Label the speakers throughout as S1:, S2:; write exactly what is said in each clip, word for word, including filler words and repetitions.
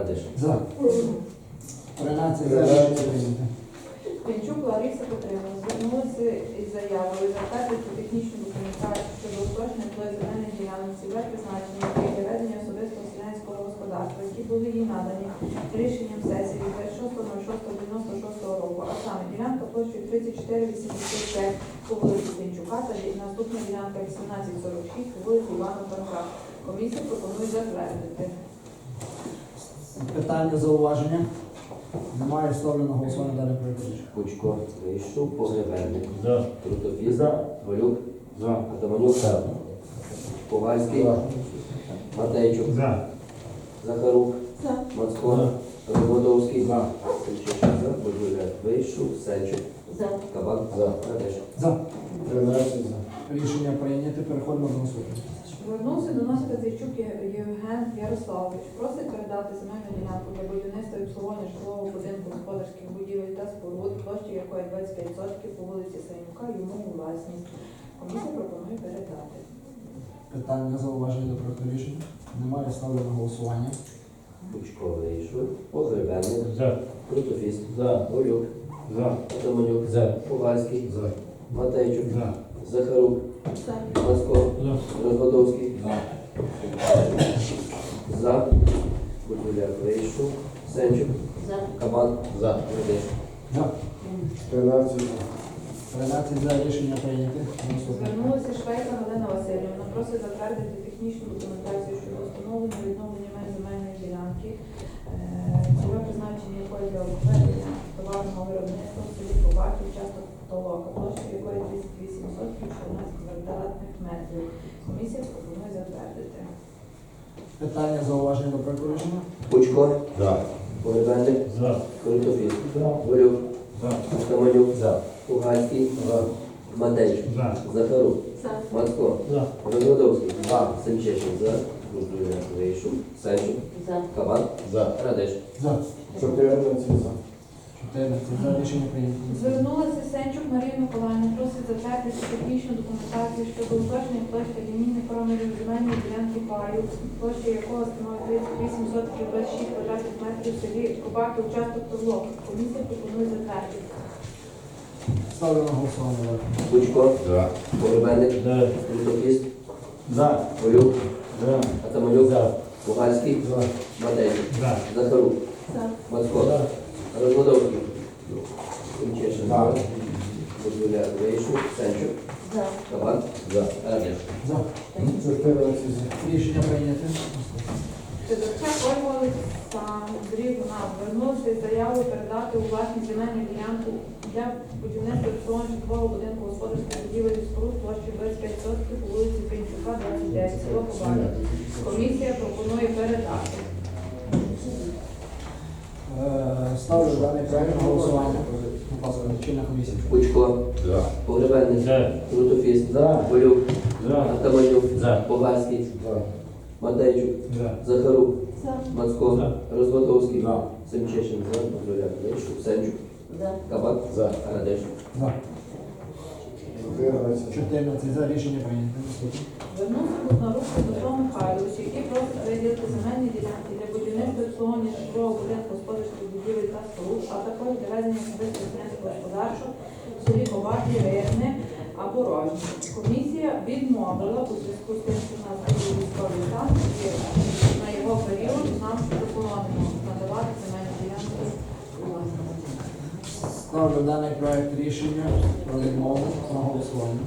S1: Радиш.
S2: За. тринадцять за. Рішення прийнято.
S3: Пінчук Лариса Петрівна звернулася із заявою затвердити технічну документацію щодо уточнення твої земельних ділянок цільове призначення для ведення особистого селянського господарства, які були їй надані рішенням сесії від двадцять шостого шостого дев'яносто шостого року, а саме ділянка площею тридцять чотири вісімдесят п'ять по вулиці Пінчука та наступна ділянка вісімнадцять сорок шість по вулиці Івана Франка. Комісія пропонує затвердити.
S2: Питання, зауваження? Немає. Ставлю на голосування далі проект рішення.
S1: Пучко, Вийшов, Погребенник.
S4: За.
S1: Крутопіс.
S4: За.
S1: Голюк.
S4: За.
S1: Атаманюк.
S4: За.
S1: Ковальський.
S4: За.
S1: Матейчук.
S4: За.
S1: Захарук.
S3: За.
S1: Мацко. Розводовський.
S4: За.
S1: Сенчишин. За. Божуляк. Вийшов, Сенчук.
S3: За.
S1: Кабак.
S4: За.
S1: Радиш.
S2: За.
S4: тринадцять за.
S2: Рішення прийняте. Переходимо до наступного.
S3: Звернувся до нас Казійчук Євген Ярославович. Просить передати земельну ділянку для будівництва і обслуговування житлового будинку господарських будівель та споруд, площі якої двадцять п'ять відсотків по вулиці Сайнюка, йому у власність. Комісія пропонує передати.
S2: Питання, зауваження до проекту рішення? Немає. Ставлю на голосування.
S1: Пучко, Вийшов, Погребенник.
S4: За.
S1: Крутопіс.
S4: За.
S1: Голюк.
S4: За.
S1: Атаманюк.
S4: За.
S1: Ковальський.
S4: За.
S1: Матейчук.
S4: За.
S1: Захарук.
S3: За.
S1: Мацко.
S4: За.
S1: Розводовський.
S4: За.
S1: За. Божуляк. Вийшов, Сенчук.
S3: За.
S1: Кабак.
S4: За.
S1: Радиш.
S2: За.
S4: тринадцять за.
S2: тринадцять за. Рішення прийняте. Наступне.
S3: Звернулася Швейка Галина Васильівна. Просить затвердити технічну документацію щодо встановлення і відновлення меж земельної ділянки, цільове призначення якої для обведення товарного виробництва в селі Кобаків, часто толока, площа якої тридцять вісім відсотків чотирнадцять квадратних метрів. Комісія пропонує затвердити.
S2: Питання, зауваження до проекту рішення?
S1: Пучко.
S4: За.
S1: Погребенник.
S4: За.
S1: Крутопіс.
S4: За.
S1: Голюк.
S4: За.
S1: Атаманюк.
S4: За.
S1: Пугальський.
S4: За.
S1: Матейчук.
S4: За.
S1: Захарук.
S3: За.
S1: Мацко.
S4: За.
S1: Розводовський.
S4: За.
S1: Сенчишин. За. Божуляк. Вийшов, Сенчук.
S3: За.
S1: Кабак.
S4: За.
S1: Радиш.
S2: За.
S4: чотирнадцять за.
S2: чотирнадцять за. Рішення прийнято.
S3: Звернулася Сенчук Марія Миколаївна, просить затвердити технічну документацію щодо уточнення площі лінійних промірів земельної ділянки паю, площа якого становить тридцять вісім відсотків двадцять шість квадратних метрів в селі Кобаків, участок Тозлок. Комісія пропонує затвердити.
S2: Ставлю на голосування далі.
S1: Пучко.
S4: За.
S1: Погребенник.
S4: За.
S1: Крутопіс.
S4: За.
S1: Голюк.
S4: За.
S1: Атаманюк.
S4: За.
S1: Пугальський.
S4: За.
S1: Матейчук.
S4: За.
S1: Захарук.
S3: За.
S1: Мацко.
S4: За.
S1: Розводовський. Сенчишин.
S4: За.
S1: Божуляк. Вийшов, Сенчук.
S3: За.
S1: Кабак.
S4: За.
S1: Радиш.
S2: За.
S4: чотирнадцять за.
S2: Рішення прийняте.
S3: Федорчак Ольга Олександрівна звернулася із заявою передати у власність земельну ділянку для будівництва обслуговування житлового будинку господарських будівель і споруд площею двадцять п'ять відсотків по вулиці Пінчука, двадцять дев'ять, село Кобаків. Комісія пропонує передати.
S2: Е, Ставлю даний проект на голосування. Будь ласка, чинна комісія.
S1: Пучко.
S4: За.
S1: Погребенник.
S4: За.
S1: Крутопіс.
S4: За.
S1: Голюк.
S4: За.
S1: Атаманюк.
S4: За.
S1: Пугальський.
S4: За.
S1: Матейчук.
S4: За.
S1: Захарук.
S3: За.
S1: Мацко.
S4: За.
S1: Розводовський.
S4: За.
S1: Семчишин. За. Божуляк. Вийшов, Сенчук.
S3: За.
S1: Кабак.
S4: За.
S1: Радиш.
S2: За.
S4: чотирнадцять.
S2: чотирнадцять за. Рішення прийнято. Наступне.
S3: Звернувся Бухнарук Петро Михайлович, який просить виділити земельні ділянки для будівництва і обслуговування житлового будинку господарських будівель та споруд, а також для ведення особистого селянського господарства в селі Кобаки, Рирне або Рожні. Комісія відмовила у зв'язку з тим, що в нас був військовий стан, і на його період нам заборонено надавати земельні ділянки у власність.
S2: Ставлю даний проект рішення про відмову на голосування.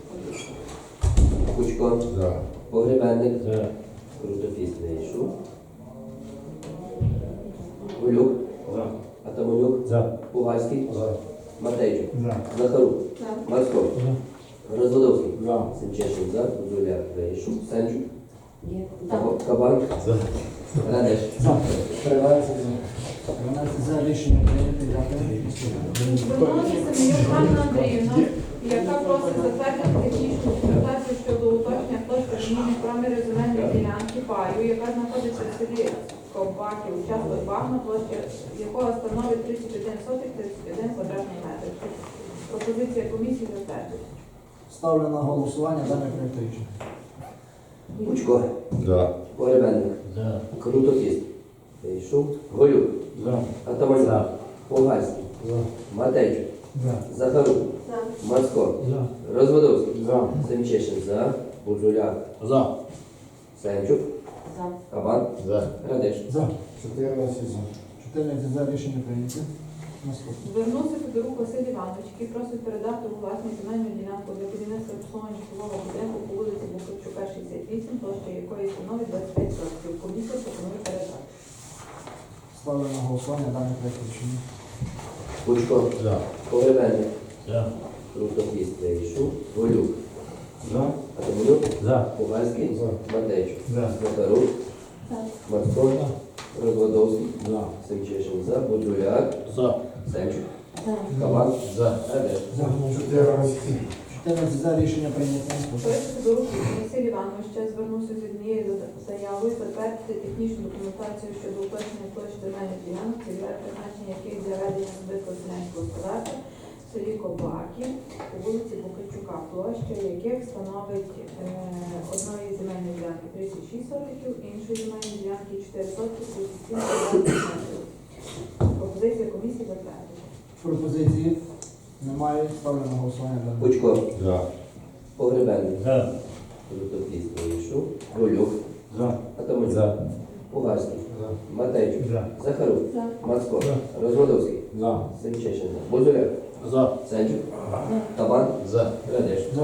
S1: Пучко.
S4: За.
S1: Погребенник.
S4: За.
S1: Крутопіс. Вийшов. Голюк.
S4: За.
S1: Атаманюк.
S4: За.
S1: Пугальський.
S4: За.
S1: Матейчук.
S4: За.
S1: Захарук.
S3: За.
S1: Мацко. Розводовський.
S4: За.
S1: Семчишин. За. Божуляк. Вийшов, Сенчук.
S3: Є.
S1: Кабак.
S4: За.
S1: Радиш.
S2: За.
S4: тринадцять за.
S2: дванадцять за. Рішення прийнято. Дякую.
S3: Звернулася Семенюк Ганна Андріївна, яка просить затвердити технічну документацію щодо уточнення площі зміни промірів земельної ділянки паю, яка знаходиться в селі Ковбаків, участок Багна, площа якого становить тридцять один сотих тридцять один квадратний метр. Пропозиція комісії затвердити.
S2: Ставлю на голосування даний проект рішення.
S1: Пучко.
S4: За.
S1: Погребенник.
S4: За.
S1: Крутопіс. Дейшук, Голюк,
S4: За.
S1: Атаманюк,
S2: За.
S1: Пугальський,
S4: За.
S1: Матейчук,
S4: За.
S1: Захарук,
S3: За.
S1: Мацко,
S4: За.
S1: Розводовський,
S4: За.
S1: Семчешин за, Бузуляк,
S2: За.
S1: Сенчук,
S3: За.
S1: Кабан,
S2: За.
S1: Радеш.
S4: За. чотирнадцять за.
S2: чотирнадцять за. Рішення прийнято. Наступне.
S3: Звернувся Федорук Василь Іванович, який просить передати у власність земельну ділянку для будівництва обслуговування житлового будинку по вулиці Бухарчука, шістдесят вісім, площа якої становить двадцять п'ять років. Комісія пропонує передати.
S2: Ставлю на голосування даний проект рішення.
S1: Пучко,
S2: За.
S1: Погребенник,
S2: За.
S1: Крутофіст, Дейшук, Голюк,
S4: За.
S1: Атаманюк,
S2: За.
S1: Пугальський,
S4: За.
S1: Матейчук,
S2: За.
S1: Захарук, Мацко, Розводовський,
S2: За.
S1: Семчешин за, Бузуляк,
S2: За.
S1: Сенчук, Кабан,
S2: За.
S1: Радеш.
S4: За. чотирнадцять.
S2: чотирнадцять за. Рішення прийнято. Наступне.
S3: Проект Федорук Василь Іванович ще звернувся з однією заявою затвердити технічну документацію щодо уточнення площі земельних ділянок, цільове призначення яких для ведення особистого селянського господарства в селі Кобаки по вулиці Букачука, площа яких становить е, одної земельної ділянки тридцять шість сотиків, іншої земельної ділянки чотири сотки, тридцять сім метрів. Пропозиція комісії затвердити.
S2: Пропозиції немає. Ставлю на голосування даний.
S1: Пучко,
S2: За.
S1: Погребенник,
S2: За.
S1: Крутофіст, Дейшук, Голюк,
S2: За.
S1: Атаманюк,
S2: За.
S1: Пугальський,
S4: За.
S1: Матейчук,
S2: За.
S1: Захарук,
S3: За.
S1: Мацко,
S2: За.
S1: Розводовський,
S2: За.
S1: Семчешин за, Бузуляк,
S2: За.
S1: Сенчук, Кабан,
S2: За.
S1: Радеш.
S2: За.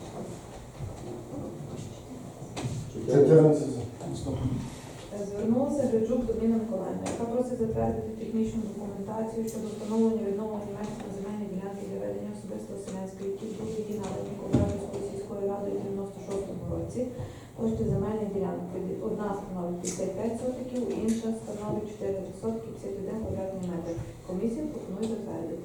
S4: чотирнадцять за.
S2: Наступне.
S3: Звернулася Гриджук Доміна Миколаївна, яка просить затвердити технічну документацію щодо встановлення відновлення меж на земельні ділянки для ведення особистого селянської, які були її надані Коврахівською сільською радою в дев'яносто шостому році. Площа земельних ділянок одна становить п'ятдесят п'ять сотиків, інша становить чотири сотки п'ятдесят один квадратний метр. Комісія пропонує затвердити.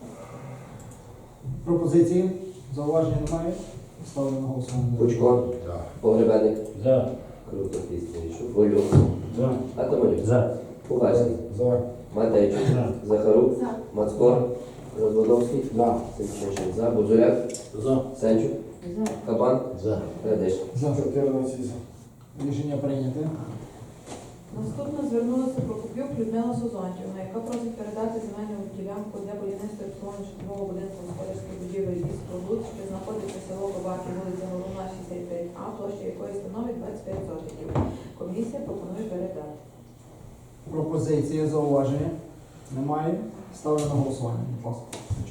S2: Пропозиції? Зауваження немає? Ставлю на голосування.
S1: Пучко, Погребенник,
S2: За.
S1: Крутофіст, Дейшук, Голюк,
S2: За.
S1: Атаманюк,
S2: За.
S1: Пугальський,
S4: За.
S1: Матейчук,
S2: За.
S1: Захарук,
S3: За.
S1: Мацко, Розводовський,
S4: За.
S1: Семчешин за, Бузуляк,
S2: За.
S1: Сенчук,
S3: За.
S1: Кабан,
S2: За.
S1: Радеш.
S2: За.
S4: чотирнадцять за.
S2: Рішення прийняте.
S3: Наступно звернулася Прокопюк Людмила Созонтівна, яка просить передати земельну ділянку для будівництва і обслуговування житлового будинку господарських будівель і споруд, що знаходиться село Кобаки, вулиця Головна, шістдесят п'ять А, площа якої становить двадцять п'ять сотиків. Комісія пропонує передати.
S2: Пропозиції, зауваження немає. Ставлю на голосування. Будь ласка.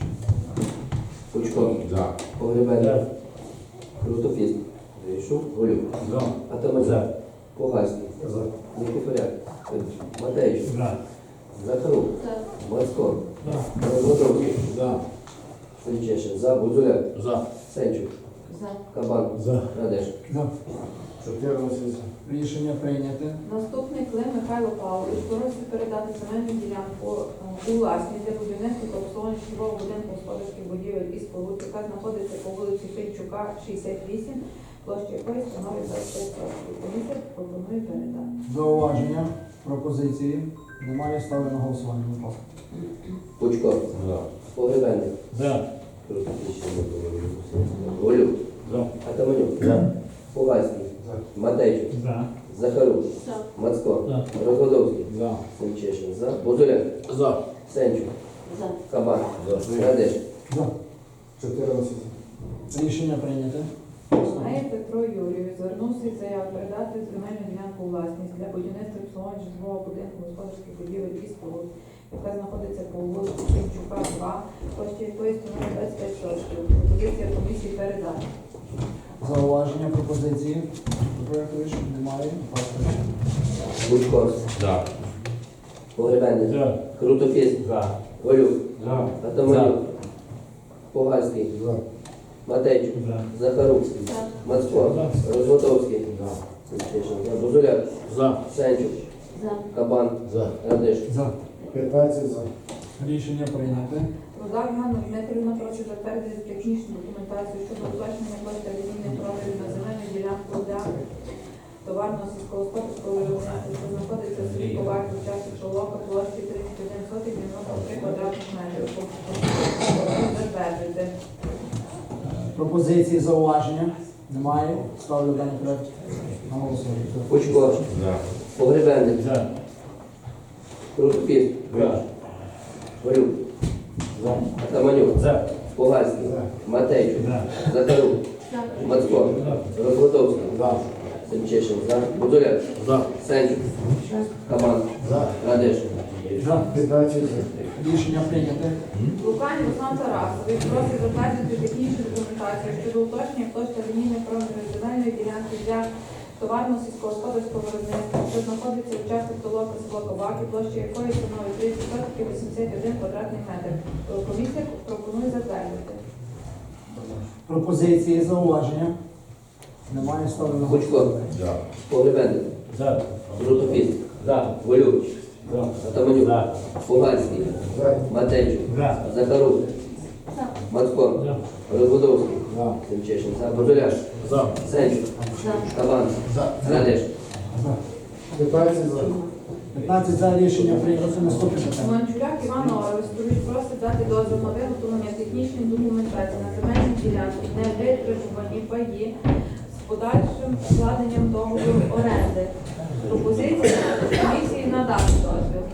S1: Пучко,
S2: За.
S1: Погребенник, Крутофіст, Дейшук, Голюк,
S2: За.
S1: Атаманюк, Пугальський,
S4: За.
S1: Никифоряк, Матейчук,
S2: За.
S1: Захарук, Мацко,
S2: За.
S1: Розводовський,
S2: За.
S1: Семчешин за, Бузуляк,
S2: За.
S1: Сенчук,
S3: За.
S1: Кабан,
S2: За.
S1: Радеш.
S2: За.
S4: чотирнадцять за.
S2: Рішення прийняте.
S3: Наступний Клим Михайло Павлович просить передати земельну ділянку е, у власність для будівництва та обслуговування житлового будинку господарських будівель і споруд, яка знаходиться по вулиці Фінчука, шістдесят вісім, площа якої становить двадцять п'ять років. Комісія пропонує передати.
S2: Зауваження, пропозиції немає. Ставлю на голосування. Будь ласка.
S1: Пучко,
S2: За.
S1: Погребенник,
S2: За.
S1: Крутофіст, Голюк,
S2: За.
S1: Атаманюк,
S2: За.
S1: Пугальський,
S4: За.
S1: Матейчук,
S2: За.
S1: Захарук,
S3: За.
S1: Мацко,
S2: За.
S1: Розводовський,
S2: За.
S1: Семчешин за, Бузуляк,
S2: За.
S1: Сенчук,
S3: За.
S1: Кабан,
S2: За.
S1: Радеш.
S2: За.
S4: чотирнадцять за.
S2: Рішення прийняте.
S3: Знає Петро Юрійович звернувся із заявою передати земельну ділянку у власність для будівництва і обслуговування житлового будинку господарських будівель і споруд, яка знаходиться по вулиці Фінчука, два, площа якої становить двадцять п'ять сотиків. Пропозиція комісії передати.
S2: Зауваження, пропозиції до проекту рішення немає. Будь ласка.
S1: Пучко,
S2: За.
S1: Погребенник,
S2: За.
S1: Крутофіст,
S2: За.
S1: Голюк,
S2: За.
S1: Атаманюк, Пугальський,
S4: За.
S1: Матейчук,
S2: За.
S1: Захарук,
S3: За.
S1: Мацко, Розводовський,
S2: За.
S1: Семчешин за, Бузуляк,
S2: За.
S1: Сенчук,
S3: За.
S1: Кабан,
S2: За.
S1: Радеш.
S2: За.
S4: п'ятнадцять за.
S2: Рішення прийняте.
S3: Рудак Ганна Дмитрівна просить затвердити технічну документацію щодо уточнення площі алюмінних профілів на земельну ділянку для товарного сільськогосподарського виробництва, що знаходиться в селі Коваки в часі Шолока, площі тридцять один сотих дев'яносто три квадратних метрів. Затвердити.
S2: Пропозиції, зауваження немає. Ставлю даний проект на голосування.
S1: Пучко, Погребенник,
S2: За.
S1: Крутопіст.
S5: За.
S1: Горюк.
S5: За.
S1: Атаманюк.
S5: За.
S1: Пугальський.
S4: За.
S1: Матейчук.
S5: За.
S1: Захарук.
S3: За.
S1: Мацко. Розводовський.
S4: За.
S1: Семчишин. За. Бузуляк.
S5: За.
S1: Сенчук. Кабан.
S4: За.
S1: Радеш.
S2: За.
S4: п'ятнадцять за.
S2: Рішення прийняте.
S3: Лукань Руслан Тарасович просить затвердити технічну документацію щодо уточнення площі лінійних проміжної земельної ділянки для товарно сільськогосподарського виробництва, що знаходиться в частці толока село Коваки, площа якої становить тридцять вісімдесят один квадратний метр. Комісія пропонує затвердити.
S2: Пропозиції, зауваження. Немає, ставлю на
S1: Гучко.
S5: За.
S1: Погребенник.
S5: За.
S1: Крутопіст.
S5: За.
S1: Волюк.
S5: За.
S1: Атаманюк.
S5: За.
S1: Пугальський.
S4: За.
S1: Матейчук.
S5: За.
S1: Захарук. Мацко.
S5: За.
S1: Розводовський.
S4: За.
S1: Семчишин. За. Бузуляк.
S5: За.
S1: Сенчук. Кабан.
S4: За.
S1: Радеш.
S2: За.
S4: п'ятнадцять за.
S2: п'ятнадцять за. Рішення прийнято. Наступне питання.
S3: Манчуляк Іван Орестович просить дати дозвіл на виготовлення технічної документації на земельній ділянці, не витребувані паї з подальшим складенням договору оренди. Пропозиція комісії надати дозвіл.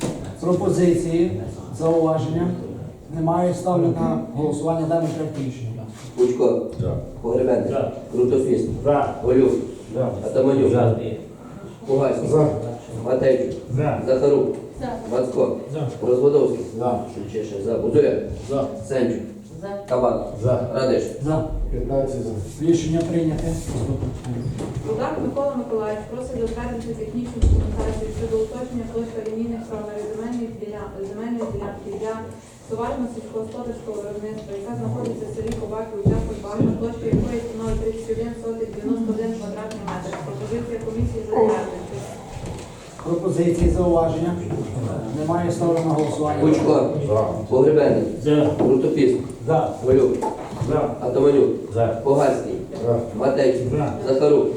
S2: Пропозиції, зауваження. Немає, ставлю на голосування даний проект рішення.
S1: Гучко.
S5: За.
S1: Погребенник.
S5: За.
S1: Крутопіст.
S5: За.
S1: Волюк.
S5: За.
S1: Атаманюк.
S5: За.
S1: Пугальський.
S4: За.
S1: Матейчук.
S5: За.
S1: Захарук. Мацко.
S5: За.
S1: Розводовський.
S4: За.
S1: Семчишин. За. Бузуляк.
S5: За.
S1: Сенчук. Кабан.
S5: За.
S1: Радеш.
S2: За.
S4: п'ятнадцять за.
S2: Рішення прийняте. Наступне питання.
S3: Рудак Микола Миколаївич просить затвердити технічну документацію щодо уточнення площі лінійних промірів земельної діля- земельної ділянки для товарно сільськогосподарського виробництва, яка знаходиться в селі Коваки, участок Багна, площа якої становить тридцять один сотих дев'яносто один квадратний метр. Пропозиція комісії затвердити.
S2: Пропозиції, зауваження. Немає, ставлю на голосування.
S1: Гучко.
S5: За.
S1: Погребенник.
S5: За.
S1: Крутопіст.
S5: За.
S1: Волюк.
S5: За.
S1: Атаманюк.
S5: За.
S1: Пугальський.
S4: За.
S1: Матейчук.
S5: За.
S1: Захарук.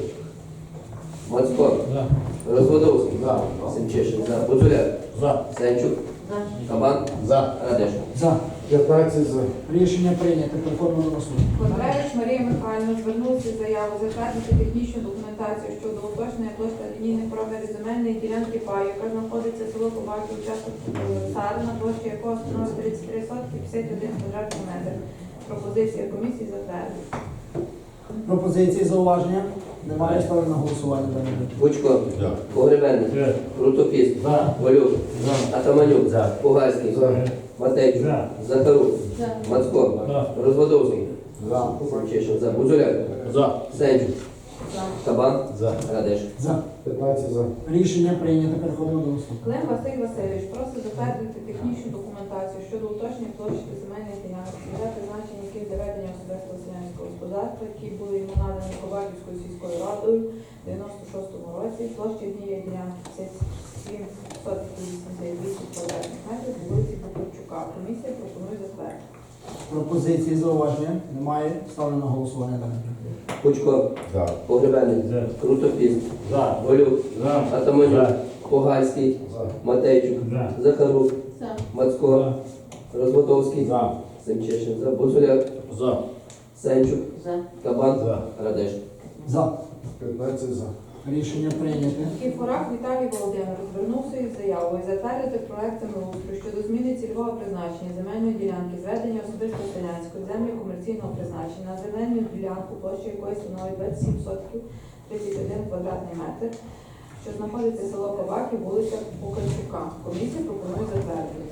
S1: Мацко.
S5: За.
S1: Розводовський.
S4: За.
S1: Семчишин. За. Бузуляк.
S5: За.
S1: Сенчук. Кабан.
S4: За.
S1: Радеш.
S2: За.
S4: п'ятнадцять за.
S2: Рішення прийнято. Переходимо до наступного.
S3: Кондревич Марія Михайлівна звернулася з заявою затвердити технічну документацію щодо уточнення площі лінійних промірів земельної ділянки паю, яка знаходиться в село Коваки, участок Царина, площа якого становить тридцять три сотки п'ятдесят один квадратний метр. Пропозиція комісії затвердити.
S2: Пропозиції, зауваження. Немає, ставлю на голосування. даний проект.
S1: Гучко.
S5: За.
S1: Погребенник.
S5: За.
S1: Крутопіст.
S5: За.
S1: Волюк.
S5: За.
S1: Атаманюк.
S5: За.
S1: Пугальський.
S4: За.
S1: Матейчук.
S5: За.
S1: Захарук. Мацко.
S5: За.
S1: Розводовський.
S4: За.
S1: Семчишин. За. Бузуляк.
S5: За.
S1: Сенчук. Кабан.
S5: За.
S1: Радеш.
S2: За.
S4: п'ятнадцять за.
S2: Рішення прийнято. Переходимо до наступного.
S3: Клим Василь Васильович просить затвердити технічну документацію щодо уточнення площі земельних ділянок, для призначення яких для ведення особистого селянського господарства, які були йому надані Коваківською сільською радою в дев'яносто шостому році, площі однієї ділянки п'ятдесят сім сотих вісімдесят вісім квадратних метрів по вулиці Букарчука. Комісія пропонує затвердити.
S2: Пропозиції, зауваження. Немає, ставлю на голосування. даний проект.
S1: Гучко.
S5: За.
S1: Погребенник.
S5: За.
S1: Крутопіст.
S5: За.
S1: Волюк.
S5: За.
S1: Атаманюк.
S5: За.
S1: Пугальський.
S4: За.
S1: Матейчук.
S5: За.
S1: Захарук. Мацко. Розводовський.
S5: За.
S1: Семчишин. За. Бузуляк.
S5: За.
S1: Сенчук. Кабан.
S5: За.
S1: Радеш.
S2: За.
S4: п'ятнадцять за.
S2: Рішення прийняте.
S3: Кіфорак Віталій Володимирович звернувся із заявою затвердити проект землеустрою щодо зміни цільового призначення земельної ділянки, зведення особисто селянської землі комерційного призначення на земельну ділянку, площа якої становить двадцять сім сотків тридцять один квадратний метр, що знаходиться село Коваки, вулиця Букарчука. Комісія пропонує затвердити.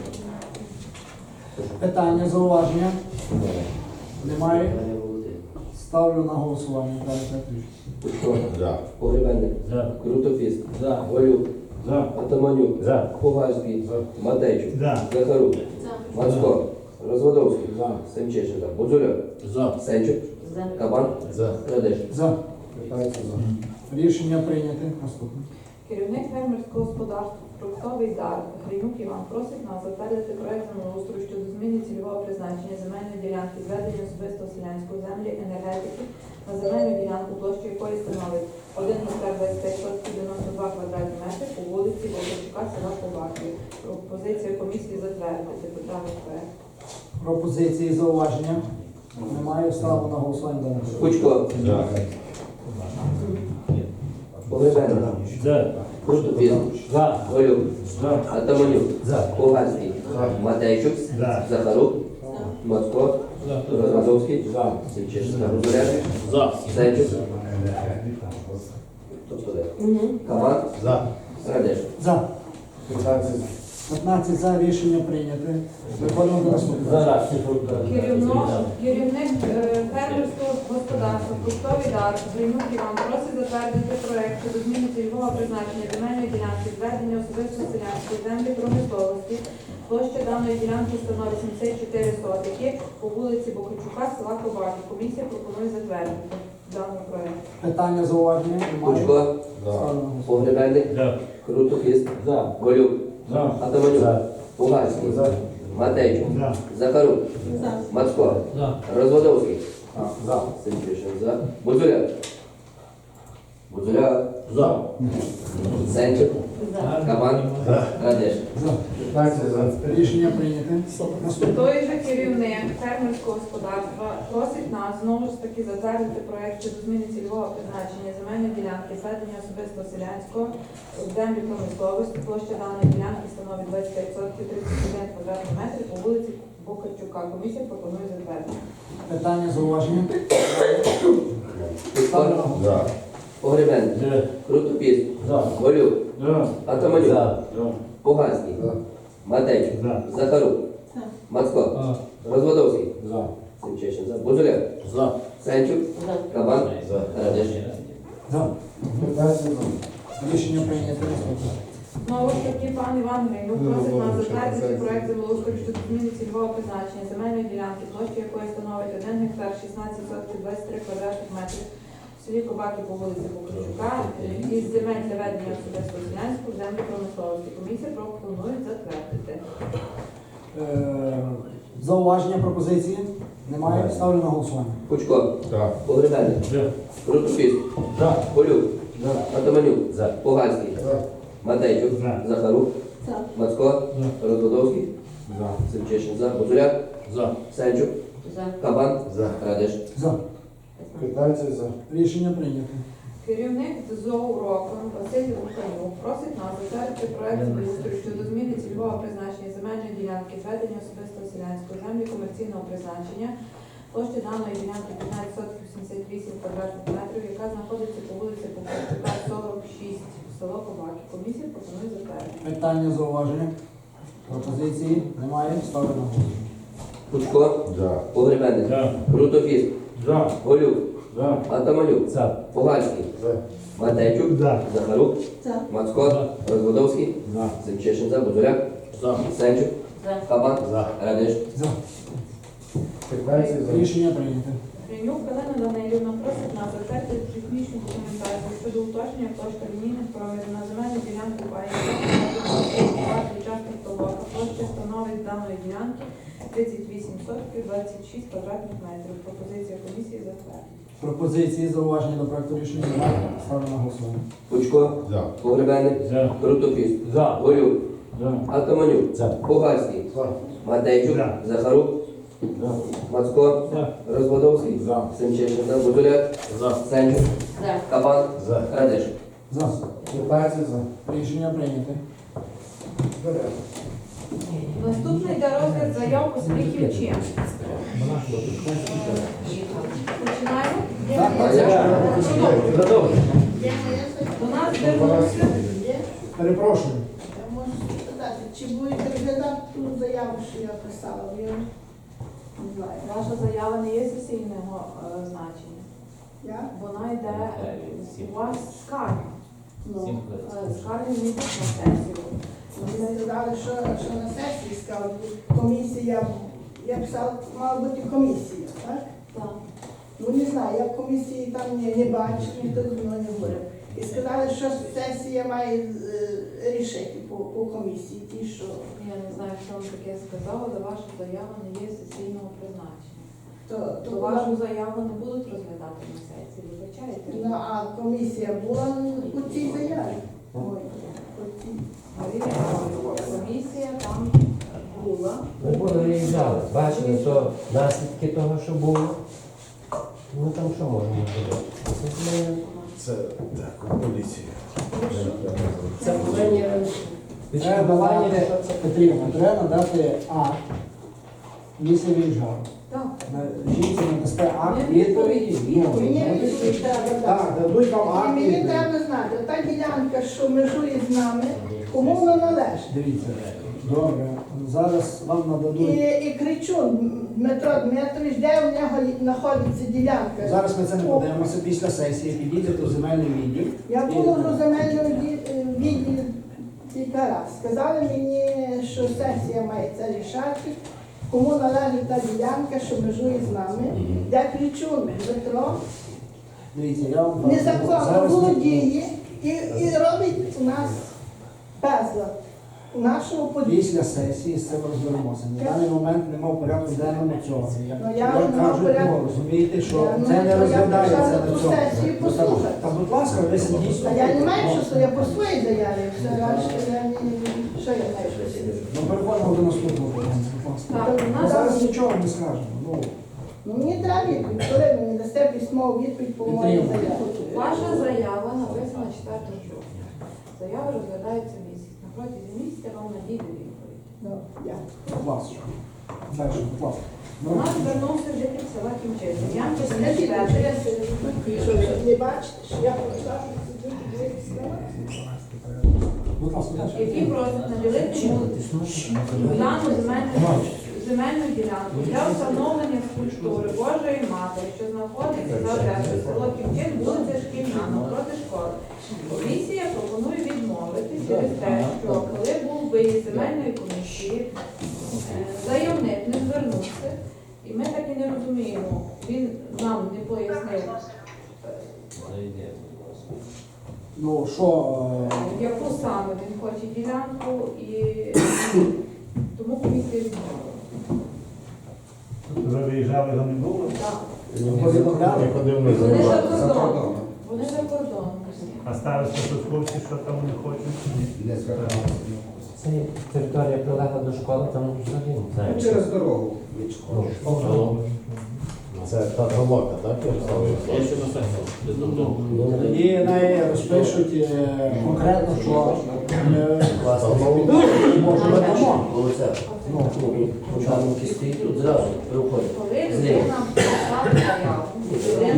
S2: Питання, зауваження. Немає. Ставлю на голосування. Даний проект рішення.
S1: Гучко.
S5: За.
S1: Погребенник.
S5: За.
S1: Крутопіст.
S5: За.
S1: Волюк.
S5: За.
S1: Атаманюк.
S5: За.
S1: Пугальський.
S4: За.
S1: Матейчук.
S5: За.
S1: Захарук. Мацко. Розводовський.
S4: За.
S1: Семчишин. За. Бузуляк.
S5: За.
S1: Сенчук. Кабан.
S5: За.
S1: Радеш.
S2: За.
S4: п'ятнадцять за.
S2: Рішення прийняте. Наступне.
S3: Керівник фермерського господарства «Фруктовий дар» Гринюк Іван просить нас затвердити проект землеустрою щодо зміни цільового призначення земельної ділянки, зведення особистого селянської землі, енергетики на земельну ділянку, площу якої становить один гектар двадцять п'ять сотень дев'яносто два квадратні метри по вулиці Богачука, села Коваків. Пропозиція комісії затвердити державний проект.
S2: Пропозиції, зауваження. Немає, ставлю на голосування. Даний проект.
S1: Гучко.
S5: За.
S1: Погребенник.
S5: За.
S1: Крутопіс,
S2: За.
S1: Голюк,
S2: За.
S1: Атаманюк,
S2: За.
S1: Пугальський,
S4: За.
S1: Матейчук,
S2: За.
S1: Захарук, Мацко, Розводовський, Семчишин за, Бузуляк,
S2: За.
S1: Сенчук, тобто де? Кабан,
S4: За.
S1: Радеш.
S2: За.
S4: п'ятнадцять за.
S2: п'ятнадцять за. Рішення прийняте. Виходимо до наступного. Зараз.
S3: Керівно, керівник е, фермерського господарства Кустовий дар Гринюк Іван просить затвердити проект щодо зміни цільового призначення земельної ділянки зведення особисто селянської землі промисловості. Площа даної ділянки становить сімдесят чотири сотики по вулиці Бокричука, села Кобаки. Комісія пропонує затвердити даний проект.
S2: Питання, зауваження? Немає.
S1: Кучко,
S4: За.
S2: Ставлю на голосування.
S1: Погребельник, Крутопіс,
S2: За.
S1: Голюк,
S2: За.
S1: Атаманюк,
S2: За.
S1: Пугальський,
S4: За.
S1: Матейчук,
S2: За.
S1: Захарук, Мацко,
S2: За.
S1: Розводовський,
S2: За.
S1: Семчишин за, Бузуляк, Бузуляк,
S2: За.
S1: Сенчук, Кабан, Радеш.
S2: За.
S4: п'ятнадцять за.
S2: Рішення прийняте. Наступне.
S3: Той же керівник фермерського господарства просить нас знову ж таки затвердити проект щодо зміни цільового призначення земельної ділянки зведення особисто селянського в землі промисловості. Площа даної ділянки становить двадцять п'ять соток тридцять один квадратний метр по вулиці Бокарчука. Комісія пропонує затвердити.
S2: Питання, зауваження?
S1: Кучко,
S4: За.
S1: Погребельник, Крутопіс,
S2: За.
S1: Голюк,
S2: За.
S1: Атаманюк,
S2: За.
S1: Пугальський,
S4: За.
S1: Матейчук,
S2: За.
S1: Захарук, Мацко, Розводовський,
S2: За.
S1: Семчишин за, Бузуляк,
S2: За.
S1: Сенчук, Кабан, Радеш.
S2: За.
S4: п'ятнадцять за.
S2: Рішення прийняте.
S3: Знову ж таки, пан Іван Гринюк просить нас затвердити проект землеустрою щодо зміни цільового призначення земельної ділянки, площа якої становить один гектар шістнадцять соток двадцять три квадратних метрів в селі Кобаки по вулиці Бокричука із земель для ведення особистого селянського в землі промисловості. Комісія пропонує затвердити.
S2: Е, Зауваження, пропозиції? Немає. Ставлю на голосування.
S1: Кучко,
S4: За.
S1: Погребельник, Крутопіс,
S2: За.
S1: Голюк,
S2: За.
S1: Атаманюк, Пугальський,
S4: За.
S1: Матейчук,
S2: За.
S1: Захарук, Мацко, Розводовський,
S4: За.
S1: Семчишин за, Бузуляк,
S2: За.
S1: Сенчук, Кабан,
S4: За.
S1: Радеш.
S2: За.
S4: п'ятнадцять за.
S2: Рішення прийнято.
S3: Керівник ЗОУ «Роком» Василь Луканюк просить нас затвердити проект землеустрою щодо зміни цільового призначення земельної ділянки зведення особистого селянської землі комерційного призначення. Площа даної ділянки п'ятнадцять соток вісімдесят вісім квадратних метрів, яка знаходиться по вулиці Покричука, сорок шість, село Кобаки. Комісія пропонує затвердити.
S2: Питання, зауваження? Пропозиції? Немає. Ставлю на голосування.
S1: Кучко,
S4: За.
S1: Погребельник, Крутопіс,
S2: За.
S1: Голюк,
S2: За.
S1: Атаманюк,
S2: За.
S1: Пугальський,
S4: За.
S1: Матейчук,
S2: За.
S1: Захарук, Мацко, Розводовський,
S2: За.
S1: Семчишин за, Бузуляк,
S2: За.
S1: Сенчук, Кабан,
S4: За.
S1: Радеш.
S2: За.
S4: п'ятнадцять за.
S2: Рішення прийнято.
S3: Гринюк Галина Данилівна просить нас затвердити технічну документацію щодо уточнення площі лінійних проводів на земельну ділянку паї частних толока. Площа становить даної ділянки тридцять вісім сотків двадцять шість квадратних метрів. Пропозиція комісії затвердити.
S2: Пропозиції, зауваження до проекту рішення немає. Ставлю на голосування.
S1: Кучко,
S4: За.
S1: Погребельник,
S2: За.
S1: Крутопіс,
S2: За.
S1: Голюк,
S2: За.
S1: Атаманюк,
S2: За.
S1: Пугальський,
S4: За.
S1: Матейчук,
S2: За.
S1: Захарук,
S2: За.
S1: Мацко,
S2: За.
S1: Розводовський,
S2: За.
S1: Семчишин за, Бузуляк,
S2: За.
S1: Сенчук, Кабан,
S4: За.
S1: Радеш.
S2: За.
S4: п'ятнадцять за.
S2: Рішення прийнято.
S3: Наступний йде розгляд заяв успіхів ЧИМ. Починаємо?
S2: Так,
S1: А я
S2: Продовжуй.
S3: До нас звернувся.
S2: Перепрошую.
S5: Я можу спитати, чи будете розглядати ту заяву, що я писала? Бо я не знаю.
S3: Ваша заява не є сесійного е, значення.
S5: Я?
S3: Вона йде у вас скарга.
S5: Ну,
S3: Е, Скарги не йдуть на сесію.
S5: вони сказали, що, що на сесії сказали, комісія, я писала, мала бути комісія, так?
S3: Так.
S5: Ну не знаю, я в комісії там не, не бачу, ніхто зі мною не говорив. І сказали, що сесія має е, рішити по, по комісії, ті, що...
S3: Я не знаю, що вам таке сказала, але ваша заява не є сесійного призначення.
S5: То, то
S3: То
S5: була-
S3: вашу заяву не будуть розглядати на сесії, вибачаєте?
S5: Ну, а комісія була по цій заяві. Ой, по цій.
S3: Марія Павлівна, комісія там була.
S6: Ми були виїжджали, бачили, що наслідки того, що було. Ну там що можемо зробити? Це ми
S4: Це так, поліція.
S2: Це повинні
S6: відшкодування.
S2: треба надати, Петрівна, треба надати акт місця виїжджав.
S3: Так.
S2: На жінці надасте акт
S3: Мені
S2: відповіді.
S3: відповідь.
S2: Ну,
S5: Мені
S2: ну,
S5: відповідь треба дати.
S2: Так, дадуть вам
S5: І
S2: акт
S5: мені
S2: відповіді.
S5: треба знати, та ділянка, що межує з нами, кому вона належить.
S2: Дивіться, добре, зараз вам
S5: І,
S2: нададуть.
S5: і кричу, Дмитро Дмитрович, де в нього знаходиться ділянка?
S2: Зараз ми це не подивимося після сесії, підійдете в земельний відділ.
S5: Я була в земельному ді- відділі кілька раз. Сказали мені, що сесія має це рішати, кому належить та ділянка, що межує з нами. Я кричу, Дмитро,
S2: Дивіться, я вам
S5: незаконно
S2: зараз ми-
S5: володіє і, і робить у нас безлад. У нашому подвір'ї.
S2: Після сесії з цим розберемося. На даний момент нема в порядку денному цього. Я,
S5: Ну, я
S2: я
S5: нема в
S2: кажу,
S5: порядку.
S2: ну, розумієте, що
S5: Я, ну,
S2: це не
S5: я
S2: розглядається
S5: прийшла
S2: на
S5: на ту
S2: цьому.
S5: сесію
S2: Ну, та-
S5: послухати.
S2: Та, будь ласка, ви сидіть.
S5: А я не маю часу, я по своїй заяві, все решта, я не, що я маю щось.
S2: Ну, переходимо до наступного питання, будь ласка.
S3: Так, у
S2: Ми
S3: нас
S2: зараз нічого не скажемо. Ну,
S5: Ну мені треба відповідь, коли ви мені дасте письмову відповідь по моїй заяві.
S3: ваша заява написана четвертого жовтня. Заява розглядається місяць. На протязі місяця вам надійде відповідь.
S5: Ну, дякую.
S2: будь ласка. Далі, будь ласка.
S3: До нас звернувся житель села Кімчиці. Янко
S5: Скажіть, що
S3: Сергій
S5: я сиджу, що ви не бачите, що я показав, що сиджу, дивитися на вас?
S2: Будь ласка, далі.
S3: який просить наділити йому дану земельну, земельну ділянку для встановлення скульптури Божої Матері, що знаходиться за адресою село Кімчит, вулиця Шкільна, навпроти школи. Комісія пропонує відмовити через те, що коли був виїзд земельної комісії, е, заявник не звернувся, і ми так і не розуміємо, він нам не пояснив, е,
S2: Ну, що, е,
S3: яку саме він хоче ділянку, і тому комісія відмовила.
S7: Ви виїжджали, його не було?
S3: Так.
S2: повідомляли?
S3: Вони за кордоном. Вони за кордоном усі.
S7: А староста тут в курсі, що там не хочуть?
S6: Це територія прилегла до школи, там взагалі не знаю.
S8: Через дорогу від школи.
S6: Ну,
S4: Це та толока, так?
S2: Тоді неї розпишуть е, конкретно, що е, може ми дамо.
S6: Ну, там кістки тут зразу приходять.
S3: Коли людина писала заяву, людина